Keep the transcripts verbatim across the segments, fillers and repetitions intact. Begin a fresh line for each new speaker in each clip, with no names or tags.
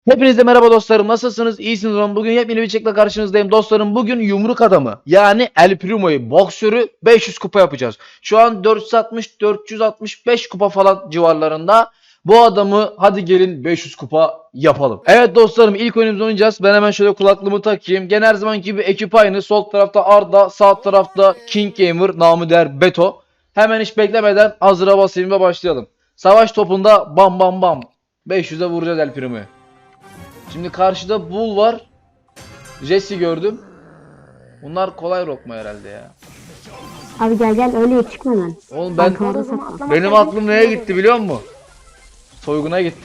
Hepinize merhaba dostlarım. Nasılsınız? İyisiniz umarım. Bugün yepyeni bir çekle karşınızdayım. Dostlarım bugün yumruk adamı yani El Primo'yu boksörü beş yüz kupa yapacağız. Şu an dört yüz altmış dört yüz altmış beş kupa falan civarlarında. Bu adamı hadi gelin beş yüz kupa yapalım. Evet dostlarım, ilk oyunumuzu oynayacağız. Ben hemen şöyle kulaklığımı takayım. Gene her zaman gibi ekip aynı. Sol tarafta Arda, sağ tarafta King Gamer, namı değer Beto. Hemen hiç beklemeden hazıra basayım ve başlayalım. Savaş topunda bam bam bam. beş yüze vuracağız El Primo'yu. Şimdi karşıda Bull var. Jesse gördüm. Bunlar kolay lokma herhalde ya.
Abi gel gel öyle çıkma lan.
Oğlum ben
Arkamda saklan.
benim aklım neye gitti biliyor musun? Soyguna gitti.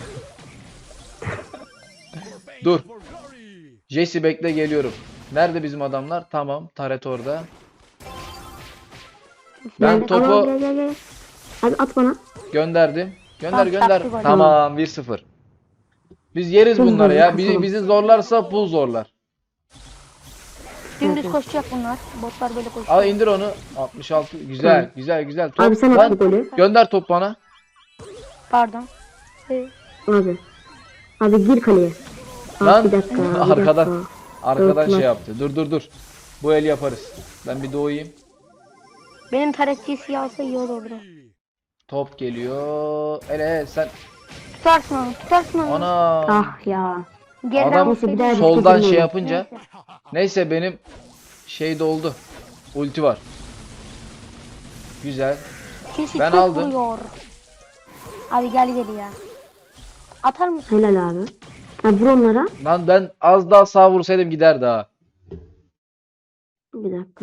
Dur. Jesse bekle, geliyorum. Nerede bizim adamlar? Tamam, Taret orada. Ben
Gel,
topu
al, gel, gel, gel. Abi at bana.
gönderdim. Gönder
Tamam,
gönder.
taktı gol.
Tamam, bir sıfır. Biz yeriz
Hızlı
bunları
hızlı
ya. Bizi,
kasalım.
bizi zorlarsa Bull zorlar.
Dümdüz koşacak bunlar. Botlar böyle koşuyor.
Al indir onu. altmış altı. Güzel,
Tamam.
güzel, güzel. Top.
Abi sen at
Lan,
bu golü.
gönder top bana.
Pardon. Ee,
Abi. Abi gir kaleye. Abi
Lan,
bir dakika. Bir
arkadan.
dakika.
Arkadan
Yok lan.
şey yaptı. Dur dur dur. Bu el yaparız. Ben bir doğayım.
benim taretçi siyahsa iyi olurdu.
Top geliyor. Ele sen.
Tutarsın onu, tutarsın onu.
Ana.
Ah ya.
Geriden
Adam
Neyse, bir daha
vursaydın.
bir-
soldan
Neyse.
şey yapınca.
Neyse.
Neyse benim şey doldu. Ulti var. Güzel.
Kişi
Ben
çok
aldım.
vuruyor. Abi gel gel ya. Atar mısın?
Helal abi. Ha vur onlara.
Lan ben az daha sağ vursaydım gider daha.
Bir dakika.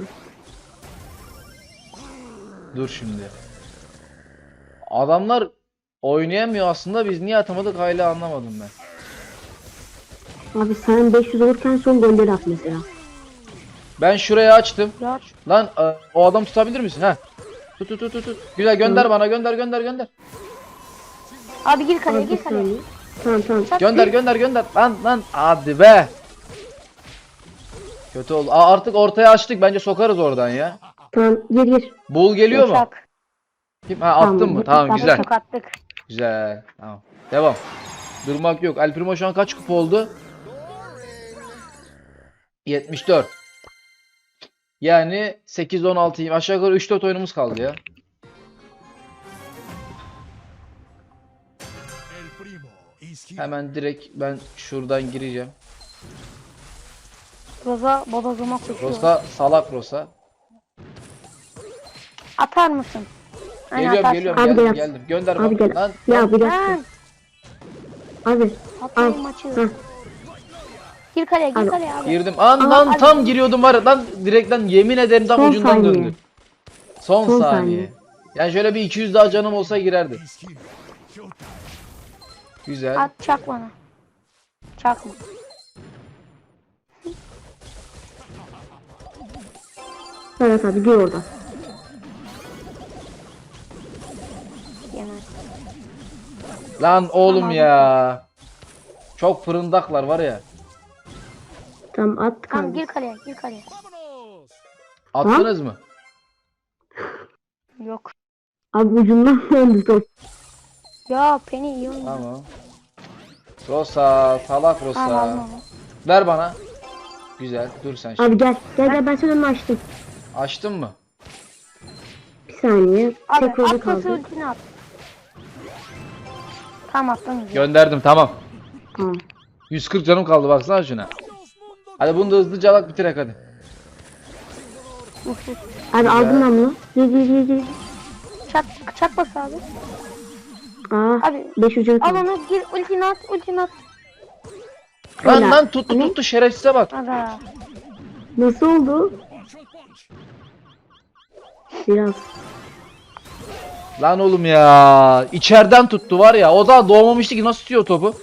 Dur şimdi. Adamlar oynayamıyor aslında, biz niye atamadık hala anlamadım ben.
Abi sen beş yüz olurken son golleri at mesela.
Ben şurayı açtım.
Ya.
Lan e, o adam tutabilir misin? Ha. Tut tut tut tut. tut. Güzel, gönder bana, gönder gönder gönder.
Abi gir kaleye,
Abi bir
gir kaleye.
saniye. Tamam tamam.
Çat,
Gönder
gir.
gönder gönder. Lan lan hadi be. Kötü oldu. Aa, artık ortaya açtık. Bence sokarız oradan ya.
Tamam gir gir.
Bull geliyor mu?
Çak.
Kim? Ha, attın
Tamam,
mı?
bu-
Tamam,
tamam,
güzel.
Çok attık.
Güzel. Tamam. Devam. Durmak yok. El Primo şu an kaç kupa oldu? yetmiş dört. Yani sekiz on altı. Aşağı yukarı üç dört oyunumuz kaldı ya. Hemen direkt ben şuradan gireceğim.
Roza bodozuma koşuyor.
Rosa salak Rosa.
Atar mısın? Aynen,
Geliyorum
atarsın.
geliyorum
Abi
geldim
gel.
geldim. Gönder
Abi
bana.
gel.
Lan,
Ya bir dakika.
Lan,
Abi.
atmayın
Al.
maçı.
Heh.
Gir kaleye, gir
Abi.
kaleye abi.
girdim. An
Aa,
lan
hadi.
tam giriyordum var ya, lan direkten yemin ederim tam
Son
ucundan
saniye.
döndüm. Son,
Son
saniye.
saniye.
Yani şöyle bir iki yüz daha canım olsa girerdi. Güzel.
At çak bana. Çakma.
Evet abi gir orada.
Yemez.
Lan oğlum
Tamam.
ya. Çok fırındaklar var ya.
Tamam at
Tamam
kaldı.
gir kaleye, gir kaleye.
Attınız mı?
Yok.
Abi ucundan döndü top.
Ya Penny iyi oynuyor.
Tamam. Rosa, salak Rosa.
Tamam alma.
Ver bana. Güzel. Dur sen şimdi.
Abi gel. Gel gel ben senin önünü açtım.
Açtın mı?
Bir saniye.
Abi
Tek rolü
at pası
kaldı.
ultini at. Tamam attım. güzel.
Gönderdim, tamam.
Tamam.
yüz kırk canım kaldı, baksana şuna. Hadi bunu da hızlıca alak bitirek hadi.
Uf, uf.
Abi aldım ben bunu. Gir gir gir gir.
Çak, çak bas abi.
Aa.
Abi
beş yüz
al
kaldı.
onu gir ultini at, ultini at.
Lan
Helal.
lan tuttu
Ne?
tuttu, şerefsize bak.
Ada.
Nasıl oldu? Biraz.
Lan oğlum ya. İçeriden tuttu var ya. O da doğmamıştı ki, nasıl tutuyor topu?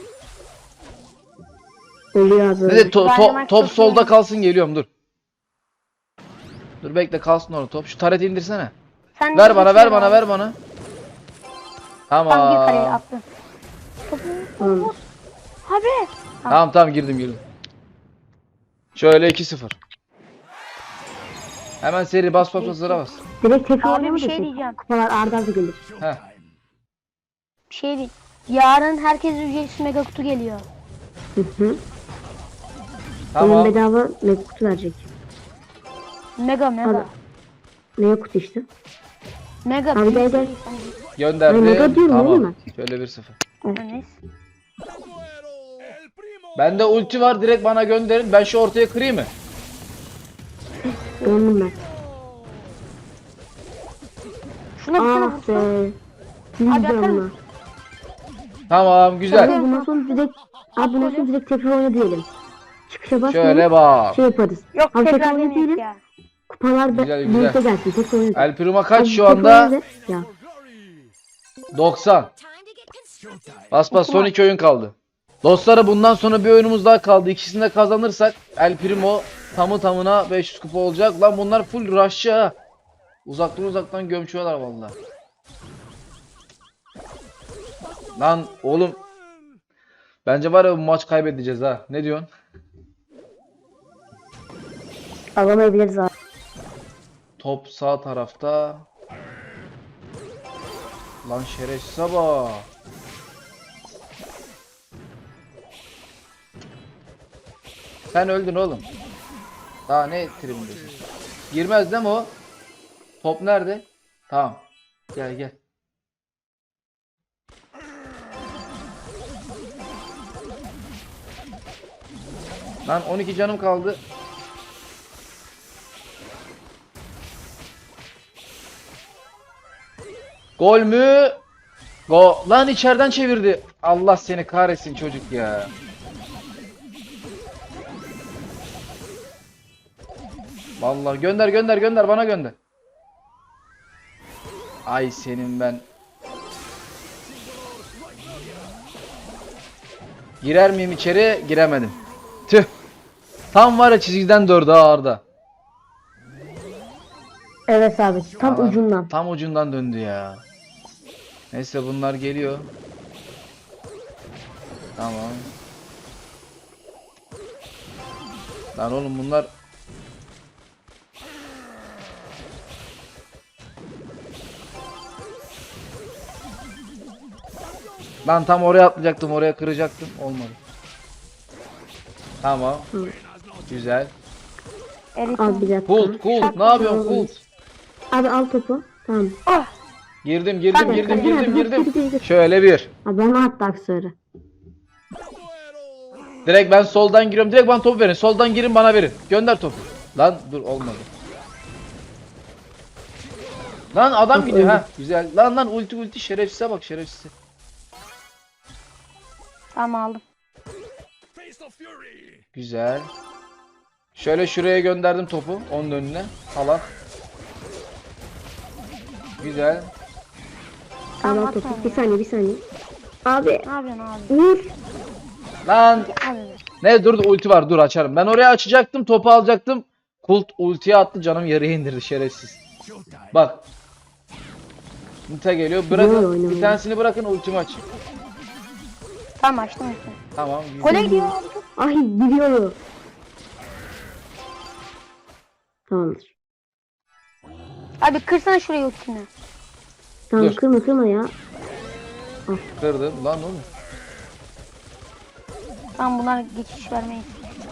Oluyor abi.
Ne de to- to-
Dynamite
top
çok
solda
iyi.
kalsın, geliyorum dur. Dur bekle, kalsın orada top. Şu tareti indirsene.
Sen
Ver
de
bana,
gir
ver
şuraya
bana,
abi.
ver bana.
Tam gir kaleye
Tamam.
attın. Topu.
Tamam.
Abi.
Tamam tamam, girdim girdim. Şöyle iki sıfır. Hemen seri bas bas bas, sıra bas.
Direkt tek
Abi
oynama
bir
da
şey
tek.
diyeceğim.
Kupalar arda arda gelir.
Heh.
Bir şey değil. Yarın herkes ücretsiz mega kutu geliyor.
Hı hı. Oyun
Tamam.
bedava mega kutu verecek.
Mega mega.
Abi. Mega kutu işte.
Mega
Abi
büyük
gel, gel.
seri sanki.
Ay, mega
Gönderdim.
diyorum, değil
Tamam.
mi?
Şöyle bir sıfır.
Neyse.
Bende ulti var, direkt bana gönderin. Ben şu ortaya kırayım mı?
Döndüm ben.
Şuna bir tane
Ah
vursa.
be. Yüz
Abi atar
canlı.
mısın?
Tamam, güzel.
Abi bundan sonra direkt, abi bundan sonra direkt tekrar oyna diyelim. Çıkışa basmayalım.
Şöyle bak.
Şey yaparız.
Yok
Abi tekrar
tekrar
oyna
deneyek
diyelim.
ya.
Kupalar da
Güzel, güzel.
birlikte gelsin. Tekrar oyna.
El Primo kaç
Abi
şu
tekrar
anda?
oyna de- Ya.
doksan. Bas bas, son iki oyun kaldı. Dostları, bundan sonra bir oyunumuz daha kaldı. İkisini de kazanırsak El Primo tamı tamına beş yüz kupa olacak. Lan bunlar full rush'çı ha. Uzaktan uzaktan gömçüyorlar vallahi. Lan oğlum. Bence var ya, bu maç kaybedeceğiz ha. Ne diyorsun?
Alamayabiliriz abi.
Top sağ tarafta. Lan şerefsize bak. Sen öldün oğlum. Daha ne trimdesin? Girmez değil mi o? Top nerede? Tamam. Gel gel. Lan on iki canım kaldı. Gol mü? Go. Lan içeriden çevirdi. Allah seni kahretsin çocuk ya. Vallahi gönder gönder gönder, bana gönder. Ay senin ben. Girer miyim içeri? Giremedim. Tüh. Tam var ya, çizgiden dördü ha Arda.
Evet abi. Tam
Adam
ucundan.
Tam ucundan döndü ya. Neyse, bunlar geliyor. Tamam. Lan oğlum bunlar. Lan tam oraya atlayacaktım, oraya kıracaktım. Olmadı. Tamam.
Hı.
Güzel.
Erit.
Abi bir dakika.
Kult kult, ne yapıyorsun kult?
Abi al topu. Tamam.
Ah.
Girdim girdim
Hadi,
girdim
hadi,
girdim
hadi,
girdim.
hadi, hadi, hadi.
Şöyle bir.
Abi bana attı aksörü.
Direkt ben soldan giriyorum. Direkt bana topu verin. Soldan girin, bana verin. Gönder topu. Lan dur, olmadı. Lan adam
Yok,
gidiyor
öldü.
ha. Güzel. Lan lan, ulti ulti, şerefsize bak, şerefsize.
Tamam aldım.
Güzel. Şöyle şuraya gönderdim topu. Onun önüne. Alan. Güzel.
Abi
Tamam,
al topu.
atma
Bir
ya.
saniye bir saniye. Abi.
Ne yapıyorsun abi?
Vur.
Lan
Abi.
ne, dur ulti var, dur açarım. Ben oraya açacaktım, topu alacaktım. Kult ultiye attı, canım yarıya indirdi şerefsiz. Bak. Nita geliyor.
Böyle
Bırakın.
oynamıyor.
Bir tanesini bırakın, ultimi aç.
Tamam açtım açtım.
Tamam.
Gole gidiyor abi.
Ay gidiyor. Tamamdır.
Abi kırsana şurayı ultini.
Tamam
Dur.
kırma kırma ya.
Kırdım lan oğlum.
Tamam bunlar geçiş vermeyin.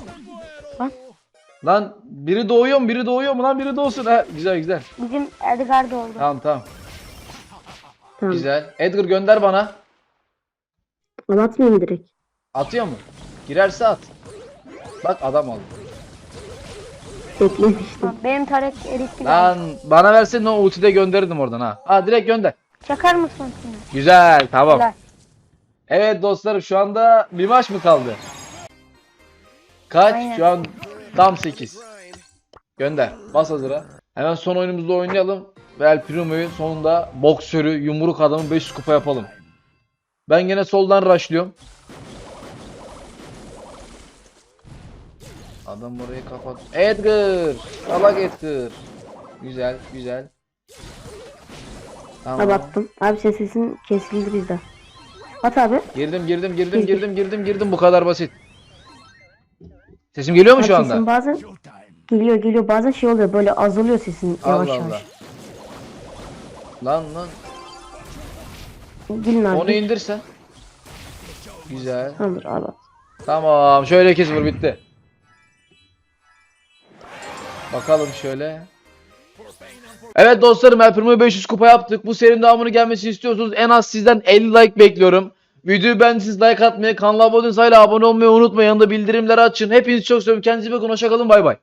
Lan biri doğuyor mu? Biri doğuyor mu lan? Biri doğsun. Ha, güzel güzel.
Bizim Edgar da oldu.
Tamam tamam.
Tamam.
Güzel. Edgar gönder bana.
Al atmayayım mı direkt?
Atıyor mu? Girerse at. Bak adam oldu.
Beklemiştim.
Tamam, benim taret eritti.
Lan bana versen o ultide gönderirdim oradan ha. Ha, direkt gönder.
Çakar mısın ultini?
Güzel, tamam.
Helal.
Evet dostlarım, şu anda bir maç mı kaldı? Kaç?
Aynen.
Şu an tam sekiz. Gönder. Bas hazıra. Hemen son oyunumuzda oynayalım. Ve El Primo'yu sonunda boksörü, yumruk adamı beş yüz kupa yapalım. Ben gene soldan rushlıyorum. Adam orayı kapat. Edgar! Salak Edgar. Güzel, güzel. Tamam.
Abi attım. Abi ses sesin kesildi bizde. At abi.
Girdim, girdim, girdim, girdim, girdim, girdim. Bu kadar basit. Sesim geliyor mu
Abi
şu anda?
sesin bazen geliyor geliyor bazen şey oluyor böyle azalıyor sesin yavaş
Allah
yavaş.
Allah. Lan lan.
Gelin abi.
Onu indirsen. Güzel.
Tamamdır abi.
Tamam. Şöyle kes vur bitti. Bakalım şöyle. Evet dostlarım, El Primo'yu beş yüz kupa yaptık. Bu serinin devamını gelmesini istiyorsanız en az sizden elli like bekliyorum. Videoyu beğendiyseniz like atmayı, kanala abone değilseniz hala abone olmayı unutmayın. Yanında bildirimleri açın. Hepinizi çok seviyorum. Kendinize iyi bakın. Hoşça kalın. Bay bay.